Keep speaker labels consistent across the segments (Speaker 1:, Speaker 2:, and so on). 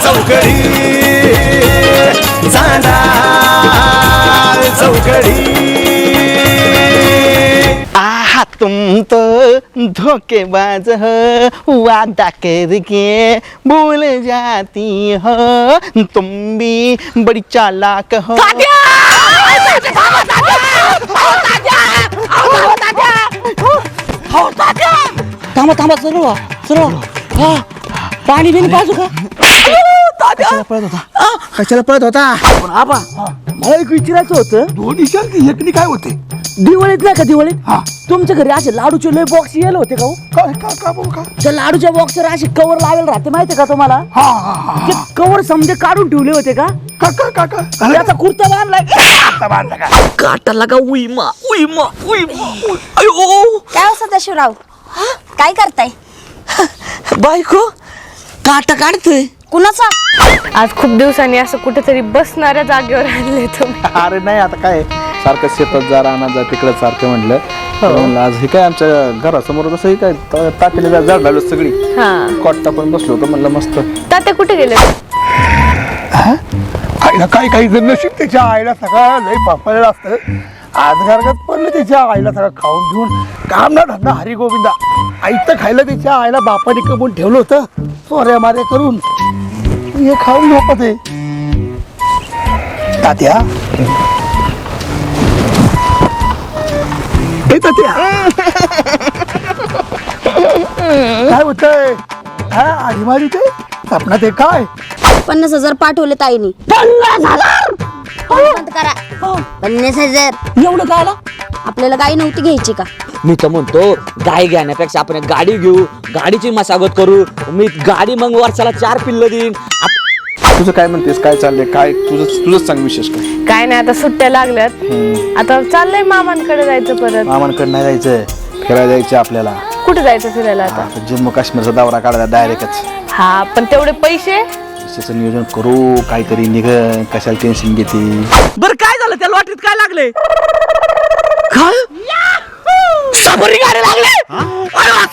Speaker 1: चौकडी चांदा चौकडी
Speaker 2: आहा तुम तो धोखेबाज हो वादा करके भूल जाती हो तुम भी बड़ी चालाक हो
Speaker 3: थांबा थांबा सरळ सरळ हा पाणी बिन पाजू का
Speaker 2: कशाला पळत होता कशाला पळत होता
Speaker 3: पण आबा मला एक विचारायचं होतं
Speaker 1: दोन्ही शांती एकनी काय होते
Speaker 3: दिवाळीत नाही का दिवाळीत
Speaker 1: हा.
Speaker 3: तुमच्या घरी असे लाडूचे लय बॉक्स येले होते का हो?
Speaker 1: काय का का बोल का
Speaker 3: त्या लाडूच्या बॉक्सवर असे कवर लावेल राहते माहितीये का तुम्हाला
Speaker 1: हा हा हा
Speaker 3: ते कवर समजे काढून ठेवले होते का
Speaker 1: का का का का
Speaker 3: त्याचा कुर्ता बांधलाय
Speaker 1: आता बांधला का
Speaker 3: काटाला का उईमा उईमा उईमा अयो
Speaker 4: काय हो सदाशिवराव काय करताय
Speaker 3: बायको काटा काढतोय
Speaker 4: कुणाचा
Speaker 5: आज खूप दिवसांनी असं कुठेतरी बसणाऱ्या जागेवर आणले तुम्ही.
Speaker 2: अरे नाही आता काय सारखं शेतात जा रानात जा तिकडे सारखं म्हटलं तर म्हणलं आज हे काय आमच्या घरासमोर कसं हे काय ताकेली झाड लावलं सगळी
Speaker 5: हा
Speaker 2: कॉट्टा पण बसलो होतो म्हणलं मस्त
Speaker 5: तात्या कुठे गेले?
Speaker 1: आईला काही काही जण नशीब त्याच्या आईला सगळं लई पापलेलं असतं आज घरात पडलं त्याच्या आईला सगळं खाऊन घेऊन काम ना धंदा हरी गोविंदा आईचं खायला त्याच्या आईला बापाने कमवून ठेवलं होतं चोऱ्या माऱ्या करून हे खाऊन झोपत आहे तात्या ए तात्या काय होतंय हा आधी मारी ते सपनात आहे काय
Speaker 4: 50,000 पाठवले ताईनी
Speaker 3: 50,000
Speaker 4: बंद करा 50,000
Speaker 3: एवढं काय आला
Speaker 4: आपल्याला गाई नव्हती घ्यायची का
Speaker 3: मी तर म्हणतो गाय घेण्यापेक्षा आपण एक गाडी घेऊ गाडीची मशागत करू मी गाडी मग वर्षाला 4 पिल्ल देईन
Speaker 2: तुझं काय म्हणतेस काय चाललंय काय तुझंच सांग विशेष काय
Speaker 5: काय नाही आता सुट्ट्या लागल्यात आता चाललंय मामांकडे जायचं परत.
Speaker 2: मामांकडे नाही जायचं फिरायला जायचं आपल्याला
Speaker 5: कुठे जायचं फिरायला आता?
Speaker 2: जम्मू काश्मीरचा दौरा काढायचा डायरेक्टच
Speaker 5: हा पण तेवढे पैसे
Speaker 2: त्याचं नियोजन करू काहीतरी निघ कशाला टेन्शन घेते
Speaker 3: बरं काय झालं त्या लॉटरीत काय लागले काय सफरी गाडी लागले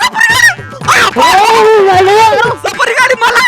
Speaker 3: सफरी गाडी मला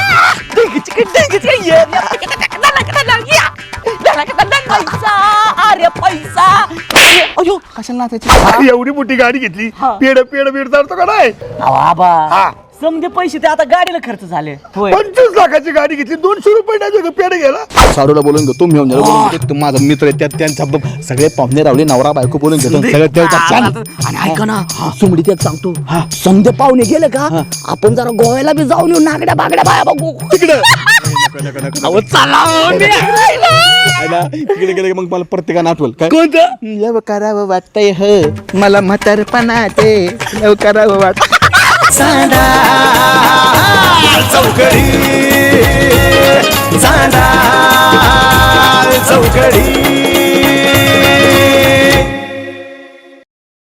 Speaker 3: अरे पैसा अयो
Speaker 2: कशाला नाचायची
Speaker 1: एवढी मोठी गाडी घेतली पेड पेड पेड चालतो का नाही
Speaker 3: बाबा
Speaker 1: हा.
Speaker 3: समजे पैसे ते आता गाडीला खर्च झाले होय
Speaker 1: 25 लाखाची गाडी घेतली 200 रुपये नाही पेड गेला
Speaker 2: सारूला बोलून घेतो मी बोलून घेतो माझा मित्र आहे त्यात त्यांचा सगळे पाहुणे रावले नवरा बायको बोलून घेतो सगळे त्यांचा छान
Speaker 3: आणि ऐका ना सुमडीत एक सांगतो समजे पाहुणे गेले का आपण जरा गोव्याला बी जाऊन येऊ नागड्या बागड्या बाया बघू
Speaker 2: तिकडे तिकडे गेले मग मला प्रत्येकानं आठवल काय
Speaker 3: कोणतं
Speaker 2: लव करावं वाटतंय ह मला म्हातारपणा ते लव करावं वाटत
Speaker 1: चांदा चौकडी चांदा चौकडी